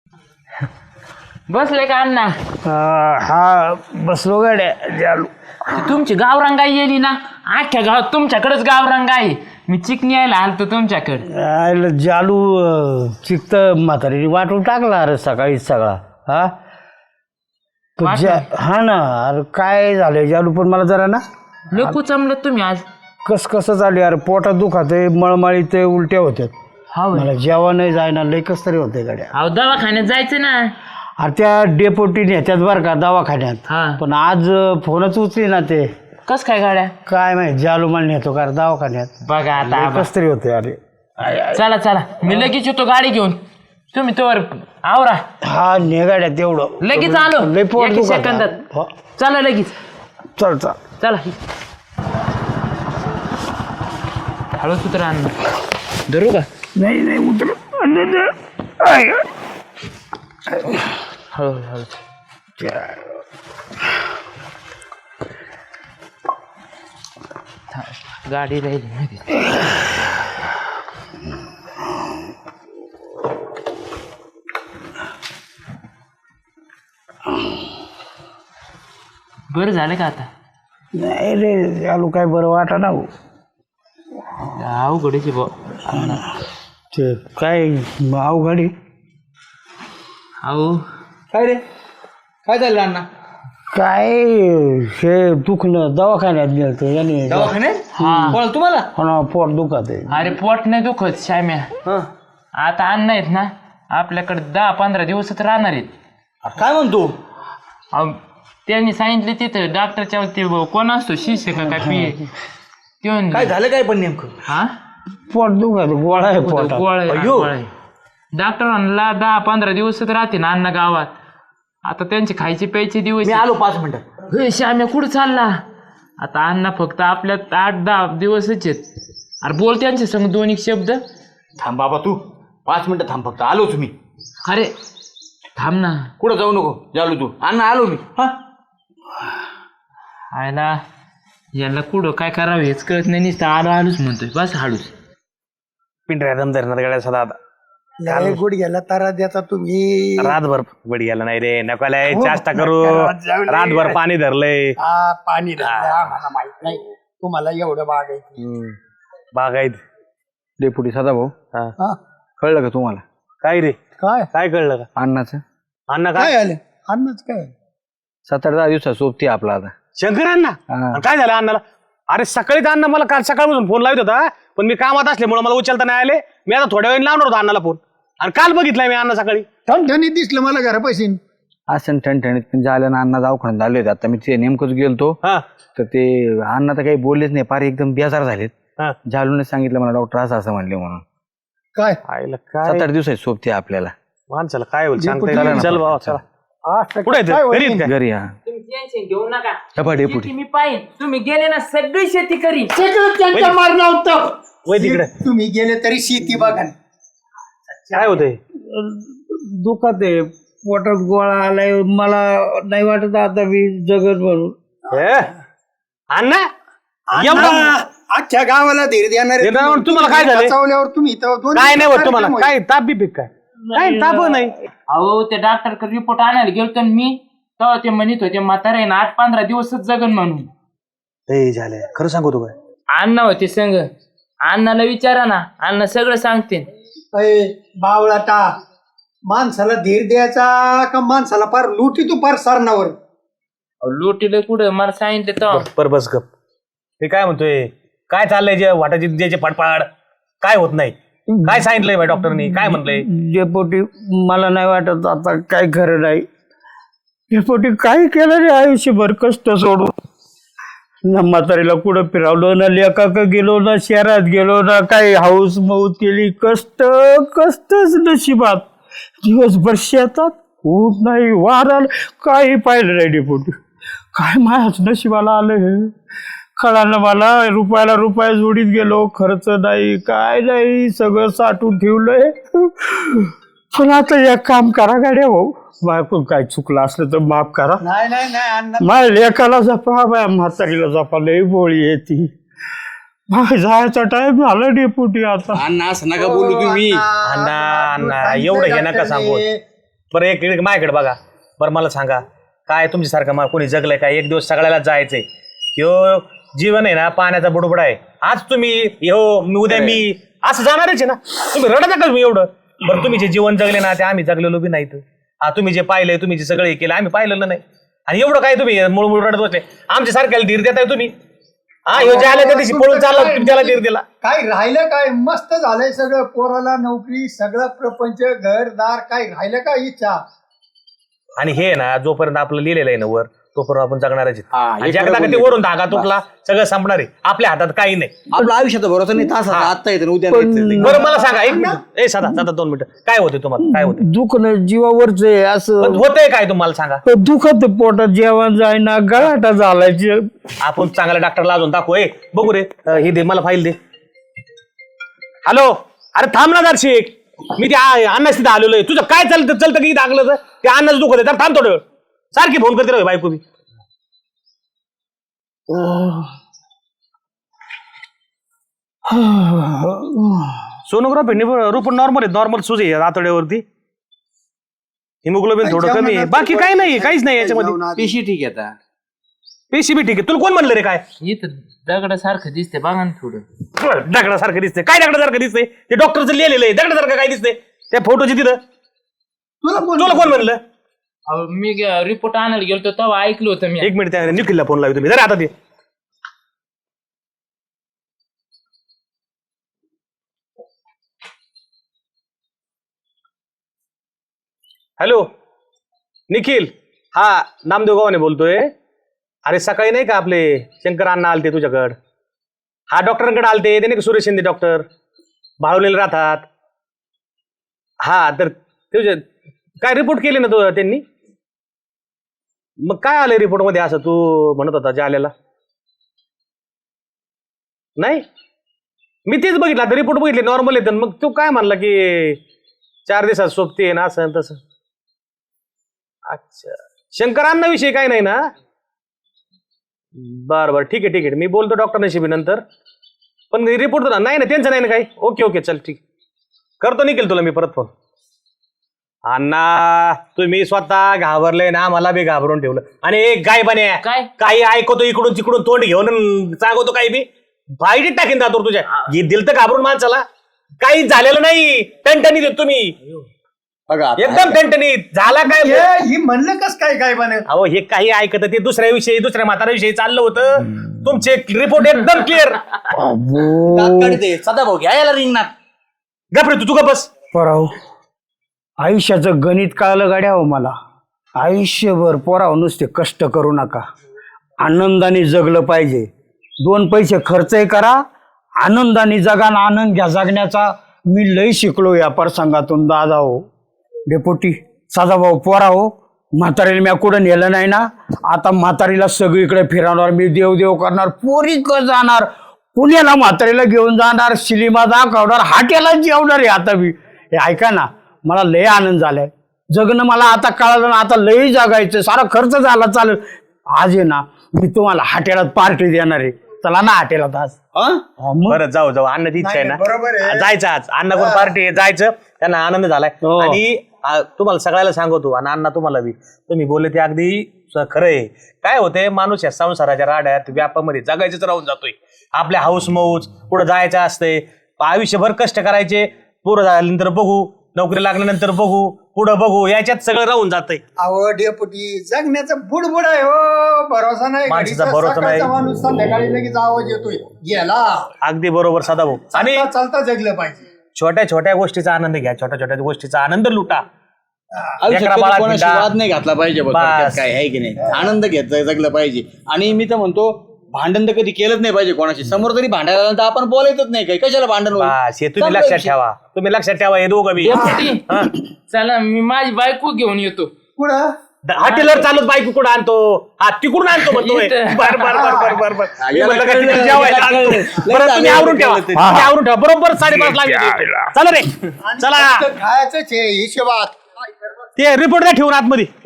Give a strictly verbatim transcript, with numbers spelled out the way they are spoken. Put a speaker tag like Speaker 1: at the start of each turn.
Speaker 1: बसले का अण्णा?
Speaker 2: हा बसलो गाड्या जालू.
Speaker 1: तुमची गावरांगाई येली ना, अख्ख्या गावात तुमच्याकडेच गावरांगाई. मी चिकनी यायला आलतो तुमच्याकडे.
Speaker 2: आयला जालू चिकत म्हातारी वाटून टाकला अरे सकाळीच सगळा. हा तो जा- हा ना अरे काय झालं जालू, पण मला जरा ना
Speaker 1: लोक चमलत तुम्ही आज.
Speaker 2: कस कसं झाले अरे, पोटात दुखात आहे, मळमळी ते उलट्या होत्यात.
Speaker 1: हा
Speaker 2: मला जेवण जायना, लय कस तरी होते गाड्या.
Speaker 1: अहो दवाखान्यात जायचं ना.
Speaker 2: अरे त्या डेपोटी नेत्यात बरं का दवाखान्यात,
Speaker 1: हा
Speaker 2: पण आज फोनच उचली ना ते.
Speaker 1: कस काय गाड्या?
Speaker 2: काय माहिती जालू मला नेतो का रे दवाखान्यात.
Speaker 1: बघा आता
Speaker 2: कस तरी होते अरे.
Speaker 1: चला चला मी लगेच येतो गाडी घेऊन. तुम्ही तोवर आवरा.
Speaker 2: हा ने गाड्या तेवढं
Speaker 1: लगेच आलो.
Speaker 2: लय पोट
Speaker 1: एका
Speaker 2: दुखत
Speaker 1: सेकंदात.
Speaker 2: हो.
Speaker 1: चला लगेच.
Speaker 2: चल चल
Speaker 1: चला हळू सुत्र अण्णा. धरू का?
Speaker 2: नाही नाही उतर.
Speaker 1: हळू हळू. गाडी राहिली माहिती. बरं झालं का आता?
Speaker 2: नाही रे आलू काय बरं वाटा ना हो.
Speaker 1: अवघडीची बो.
Speaker 2: ते काय अवघडी.
Speaker 1: अहो
Speaker 3: काय रे काय झालं अण्णा?
Speaker 2: काय हे दुखणं दवाखान्यात गेलतो याने.
Speaker 3: दवाखान्यात?
Speaker 1: हा
Speaker 3: कोण तुम्हाला?
Speaker 2: हो ना पोट दुखत आहे.
Speaker 1: अरे पोट नाही दुखत श्याम्या.
Speaker 3: हं.
Speaker 1: आता अन्न आहेत ना आपल्याकडे दहा पंधरा दिवसच राहणार आहेत.
Speaker 3: काय म्हणतो?
Speaker 1: अहो, त्यांनी सांगितले तिथं डॉक्टरच्या ते कोण असतो शिष्य का काय पी ते
Speaker 3: काय झालं काय पण नेमकं?
Speaker 1: हा
Speaker 2: पोट दुखत गोळा आहे पोटात.
Speaker 3: अय्यो.
Speaker 1: डॉक्टर म्हणला दहा पंधरा दिवसच राहते ना अन्न गावात. आता त्यांचे खायचे प्यायचे दिवस.
Speaker 3: मी आलो पाच मिनिटात.
Speaker 1: हे श्याम्या कुठं चालला? आता अण्णा फक्त आपल्यात आठ दहा दिवसच आहेत. अरे बोल त्यांचे संग दोन एक शब्द.
Speaker 3: थांब बाबा तू पाच मिनिटं थांब, फक्त आलोच मी.
Speaker 1: अरे थांब ना.
Speaker 3: कुठं जाऊ नको जालू तू. अण्णा आलो मी. हा
Speaker 1: आयला याला कुठं काय करावं हेच कळत नाही. नुसतं आलो आलोच म्हणतोय बस हाडूच.
Speaker 4: पिंढऱ्या दम धरणार गाड्या सदा आता
Speaker 5: लय गुड गेला तारा द्याचा तुम्ही.
Speaker 4: रातभर बडी गेला नाही रे, नकोलाय चाष्टा करू. रातभर पाणी धरलंय.
Speaker 5: हा पाणी धरलं आम्हाला माहित नाही, तुम्हाला एवढं बागायचं.
Speaker 4: बागायत
Speaker 6: डेपुटी सदा भाऊ
Speaker 5: हा
Speaker 6: कळलं का तुम्हाला?
Speaker 4: काय रे
Speaker 5: काय
Speaker 4: काय कळलं का?
Speaker 6: अण्णाचं
Speaker 4: अण्णा
Speaker 5: काय
Speaker 4: काय
Speaker 5: आलं अन्नच काय
Speaker 6: सात आठ दहा दिवसात सोबती आपला आता.
Speaker 4: शंकर अण्णा
Speaker 6: हा.
Speaker 4: आणि काय झालं अण्णाला? अरे सकाळीच अण्णा मला काल सकाळपासून फोन लावत होता, पण मी कामात असल्यामुळे मला उचलता नाही आले. मी आता थोड्या वेळ लावणार होता अण्णाला फोन, आणि काल बघितलाय मी अण्णा सकाळी.
Speaker 5: ठणठणीत दिसलं मला घरापाशी.
Speaker 6: असं ठणठणीत पण झालं ना, अण्णा दवाखान्यात झाले होते. आता मी ते नेमकंच गेलतो
Speaker 4: हा
Speaker 6: तर ते अण्णा तर काही बोललेच नाही, फार एकदम बेजार झालेत.
Speaker 4: हा
Speaker 6: झालूने सांगितलं मला डॉक्टर असं असं म्हणले म्हणून.
Speaker 5: काय
Speaker 4: आईला
Speaker 6: सात
Speaker 4: काय
Speaker 6: आठ दिवस सोबती आपल्याला.
Speaker 4: माणसाला काय होईल सांगता
Speaker 5: डेपुटी
Speaker 4: येत नाही.
Speaker 6: चला
Speaker 4: चल
Speaker 6: ना.
Speaker 4: बाबा चला.
Speaker 5: असं
Speaker 4: कुठे
Speaker 5: काय होईल?
Speaker 4: घरी आहेत काय?
Speaker 6: घरी हा
Speaker 1: तुम्ही टेन्शन घेऊ नका.
Speaker 6: हे पहा डेपुटी.
Speaker 1: शेती मी पाहिजे. तुम्ही गेले ना सगळी शेती करीन.
Speaker 5: सगळं त्यांच्या मारणं होतं.
Speaker 4: वय तिकडे
Speaker 5: तुम्ही गेले तरी शेती बघा.
Speaker 4: काय होतंय?
Speaker 2: दुखत आहे पोटात गोळा आलाय. मला नाही वाटत आता मी जगत म्हणून.
Speaker 4: हे? अण्णा एवढा
Speaker 5: अख्ख्या गावाला धीर देणार.
Speaker 4: धीर देणार, तुम्हाला काय झालंय?
Speaker 5: बचावल्यावर तुम्ही इथं दोन
Speaker 4: काय नाही होत
Speaker 5: दिवस
Speaker 4: तुम्हाला?
Speaker 5: कार्यक्रम
Speaker 4: काय ताप बी पिक काय? काय ताप नाही.
Speaker 1: अहो ते डॉक्टरकडे रिपोर्ट आणायला गेलतो ना मी, तेव्हा ते म्हणत होते म्हातारा आहे ना आठ पंधरा दिवसच जगन म्हणून.
Speaker 4: हे झालंय खरं सांगू तू काय?
Speaker 1: अण्णा होते संग. अण्णाला विचारा ना, अण्णा सगळं सांगते.
Speaker 5: अय, बावळाटा, माणसाला धीर द्यायचा का माणसाला पार लुटी तू पार सरणावर.
Speaker 1: लोटीला कुठं मला सांगितलं तेव्हा.
Speaker 4: पर बस गप. हे काय म्हणतोय? काय चाललंय जे वाटाची ज्याचे फडफड? काय होत नाही? काय सांगितलंय बाई डॉक्टरनी? काय म्हणलंय?
Speaker 2: डेपोटी मला नाही वाटत आता काय खरं नाही. डेपोटी काय केलं रे आयुष्यभर कष्ट सोडून. ना म्हातारीला कुठं फिरवलं ना, लेकाक गेलो ना, शहरात गेलो ना, काही हाऊस मौत केली. कष्ट कष्टच नशिबात. दिवसभर शेतात ऊन नाही वारा काही पाहिलं नाही डेपोटी. काय माझ्याच नशिबाला आलं हे कळालं मला. रुपयाला रुपया जोडीत गेलो, खर्च नाही काय नाही, सगळं साठवून ठेवलंय. पण आता एक काम करा गाड्या भाऊ, माझ्याकडून काय चुकलं असलं तर माफ करा.
Speaker 5: नाही नाही नाही अण्णा,
Speaker 2: माझ्या लेकाला जपा, बाय म्हातारीला जपा, लई बोळी येते. जायचा टाइम झाला डेपुटी आता.
Speaker 3: अण्णा असं नका बोलू तुम्ही.
Speaker 4: अण्णा अण्णा एवढं हे नका सांगू. बरं एक एक माझ्याकडे बघा. बरं मला सांगा, काय तुमच्यासारखं मला कोणी जगलंय काय? एक दिवस सगळ्याला जायचंय. ह्यो जीवन आहे ना पाण्याचा बुडबुडा आहे. आज तुम्ही ह्यो मी उद्या मी असं जाणारच आहे ना. तुम्ही रडता का मी एवढं? बरं तुम्ही जे जीवन जगले ना ते आम्ही जगलेलो बी नाही. हा तुम्ही जे पाहिलंय, तुम्ही जे सगळे केलं आम्ही पाहिलेलं नाही. आणि एवढं काय तुम्ही मुळमुळ रडत बसले? आमच्या सारख्याला धीर देताय तुम्ही. हा ह्यो जे आल्या त्या दिवशी पळून चालला तुम्ही त्याला धीर दिला.
Speaker 5: काय राहिलं काय? मस्त झालंय सगळं. पोराला नोकरी, सगळं प्रपंच, घरदार, काय राहिलं का इच्छा?
Speaker 4: आणि हे ना जोपर्यंत आपलं लिहिलेलं आहे ना वर तोपर्यंत आपण जगणारच आहेत.
Speaker 6: हा, हे
Speaker 4: आणि
Speaker 6: खरं
Speaker 4: जगता का ते
Speaker 6: बोलले.
Speaker 4: वरून धागा तुटला सगळं संपणार आहे. आपल्या हातात काही नाही.
Speaker 6: आपलं आयुष्यात भरोसा नाही. तास आता येतं उद्या नाही.
Speaker 4: बरं मला सांगा एक मिनिट. ए साधा साधा दोन मिनिटं. काय होते तुम्हाला? काय होते?
Speaker 2: दुखणं जीवावरच आहे असं.
Speaker 4: होतंय काय तुम्हाला सांगा?
Speaker 2: दुखत पोटात जेवण जायना, गळाटा झालाय.
Speaker 4: आपण चांगल्या डॉक्टरला अजून दाखवू. ए बघू रे अं, हे दे मला फाईल दे. हॅलो अरे थांब ना दर्शिक. मी ते अन्नाच तिथं आलेलो आहे. तुझं काय चालतं चालतं की दाखलं तर ते अन्नाच दुखत आहे. तर थांब थोडं वेळ. सारखी फोन करते रे बायको बी. सोनोग्राफी रूप नॉर्मल आहे. नॉर्मल सूज आहे आतड्यावरती. हिमोग्लोबिन थोडं कमी आहे. बाकी काही नाही, काहीच नाही याच्यामध्ये.
Speaker 6: पेशी ठीक आहे आता.
Speaker 4: पेशी बी ठीक आहे. तुला कोण म्हणलं रे? काय
Speaker 1: इथं दगडासारखं दिसते बघा ना थोडं.
Speaker 4: दगडासारखं दिसते? काय दगडासारखं दिसते? ते डॉक्टरचं लिहिलेलं आहे. दगडासारखं काय दिसते त्या फोटोची तिथं?
Speaker 5: तुला कोण
Speaker 4: तुला कोण म्हणलं?
Speaker 1: अहो, मी रिपोर्ट आणायला गेलो तेव्हा ऐकलं होतं मी.
Speaker 4: एक मिनिट त्या निखिलला फोन लावतो मी. जरा आता ते हॅलो निखिल. हा नामदेव गावाने बोलतोय. अरे सकाळी नाही का आपले शंकर अण्णा आलते तुझ्याकडं? हा डॉक्टरांकडे आलते. ते नाही का सुरेश शिंदे डॉक्टर भाळवलेले राहतात. हा तर तुझे काय रिपोर्ट केले ना तू त्यांनी? मग काय आलंय रिपोर्ट मध्ये असं तू म्हणत होता जाल्याला? नाही मी तेच बघितलं. आता रिपोर्ट बघितले नॉर्मल येतं. मग तू काय म्हणला की चार दिवसात सोबती आहे ना असं तसं? अच्छा शंकरांना विषय काय नाही ना? बरं बरं ठीक आहे ठीक आहे. मी बोलतो डॉक्टर नशिबी नंतर. पण रिपोर्ट नाही ना त्यांचं नाही ना काही? ओके ओके चल ठीक करतो निघेल तुला मी परत फोन. अण्णा तुम्ही स्वतः घाबरले ना मला बी घाबरून ठेवलं. आणि एक गाय बने
Speaker 1: काय?
Speaker 4: काही ऐकतो इकडून तिकडून तोंड घेऊन सांगतो काही बी फाईटीत टाकीन दातोर तुझ्या. दिल तर घाबरून माणसाला. काही झालेलं नाही. टणटणी देत तुम्ही
Speaker 6: बघा
Speaker 4: एकदम टणटणीत झाला काय?
Speaker 5: हे- ही म्हणलं कस काय काय बने?
Speaker 4: अहो हे काही ऐकत ते दुसऱ्या विषयी दुसऱ्या म्हाताऱ्याविषयी चाललं होतं. तुमचे रिपोर्ट एकदम क्लिअर.
Speaker 6: सदा भाऊ घ्या याला रिंगणात.
Speaker 4: गपरे तू तुका बस.
Speaker 2: पोराव आयुष्याचं गणित कळलं गाड्या हो मला. आयुष्यभर पोराव नुसते कष्ट करू नका. आनंदाने जगलं पाहिजे. दोन पैसे खर्चही करा. आनंदाने जगा ना आनंद घ्या जगण्याचा. मी लई शिकलो या प्रसंगातून दादा हो. डेपुटी सदाभाऊ पोरा हो. म्हातारीला मी कुठं नेलं नाही ना. आता म्हातारीला सगळीकडे फिरवणार मी. देव देव करणार. पोरीक जाणार पुण्याला म्हातारीला घेऊन जाणार. सिनेमा दाखवणार. हाटेला जेवणार आहे आता मी. हे ऐका ना मला लय आनंद झालाय. जगणं मला आता कळालं ना. आता लई जगायचं. सारा खर्च झाला चालेल. आज आहे ना मी तुम्हाला हाटेलात पार्टी देणार आहे. चला ना हाटेलात आज.
Speaker 4: बरं जाऊ जाऊ. अन्नाची इच्छा आहे
Speaker 5: नाही, बरोबर
Speaker 4: ना
Speaker 5: आहे.
Speaker 4: जायचं आज. अण्णा कोण पार्टी आहे जायचं. त्यांना आनंद झालाय.
Speaker 2: हो.
Speaker 4: आणि आ, तुम्हाला सगळ्याला सांगतो आणि अण्णा तुम्हाला बी तुम्ही बोलले ते अगदी स- खरं आहे. काय होतंय माणूस या संसाराच्या राड्यात व्यापामध्ये जगायचंच राहून जातोय. आपल्या हाऊस मौज पुढे जायचं असतंय. आयुष्यभर कष्ट करायचे. पुढं झाल्यानंतर बघू. नोकरी लागल्यानंतर बघू. पुढं बघू. याच्यात सगळं राहून जातंय.
Speaker 5: अहो डेपुटी जगण्याचं बुडबुड आहे हो. भरोसा नाही.
Speaker 4: माणसाचा
Speaker 5: घडीचा
Speaker 4: भरोसा नाही.
Speaker 5: सकाळचा माणूस संध्याकाळी लगेच आवाज येतोय गेला.
Speaker 4: अगदी बरोबर सदाभाऊ. आणि
Speaker 5: चालता चालता जगलं पाहिजे.
Speaker 4: छोट्या छोट्या गोष्टीचा आनंद घ्या. छोट्या छोट्या गोष्टीचा आनंद लुटा.
Speaker 6: आयुष्यात
Speaker 4: लेकरा
Speaker 6: कधी
Speaker 4: बाळात
Speaker 6: कोणाशी
Speaker 4: हिंडा.
Speaker 6: वाद नाही घातला पाहिजे बघ.
Speaker 4: बस.
Speaker 6: थोडक्यात काय आहे की नाही. आनंद घेत जगलं पाहिजे. आणि मी तर म्हणतो भांडण तर कधी केलंच नाही पाहिजे कोणाशी. समोर तरी भांडायला आलं तर आपण बोलायचंच नाही काही. कशाला भांडण होईल?
Speaker 4: बस, हे तुम्ही
Speaker 6: संपला
Speaker 4: लक्षात
Speaker 6: विषय.
Speaker 4: ठेवा. तुम्ही लक्षात ठेवा हे दोघं बी. हा.
Speaker 1: चला मी माझी बायको घेऊन येतो.
Speaker 5: पुढं
Speaker 4: हॉटेलवर चालत बायको कुठं आणतो? हा तिकडून आणतो म्हणतोय.
Speaker 1: इथं.
Speaker 4: बर बर बर बर बर बर मी
Speaker 6: याला
Speaker 4: म्हणलं का
Speaker 6: कळलं,
Speaker 4: तिकडे जेवायला
Speaker 6: याला
Speaker 4: आणतो.
Speaker 6: कळलं.
Speaker 4: बरं
Speaker 6: लय
Speaker 4: तुम्ही
Speaker 6: चांगलं
Speaker 4: आवरून ठेवा.
Speaker 6: कळलं ते.
Speaker 4: तुम्ही आवरून ठेवा. बरोबर साडेपाच लागले. चला रे चला.
Speaker 5: खायचंच आहे हिशोबात.
Speaker 4: ते रिपोर्ट द्या ठेवून आतमध्ये.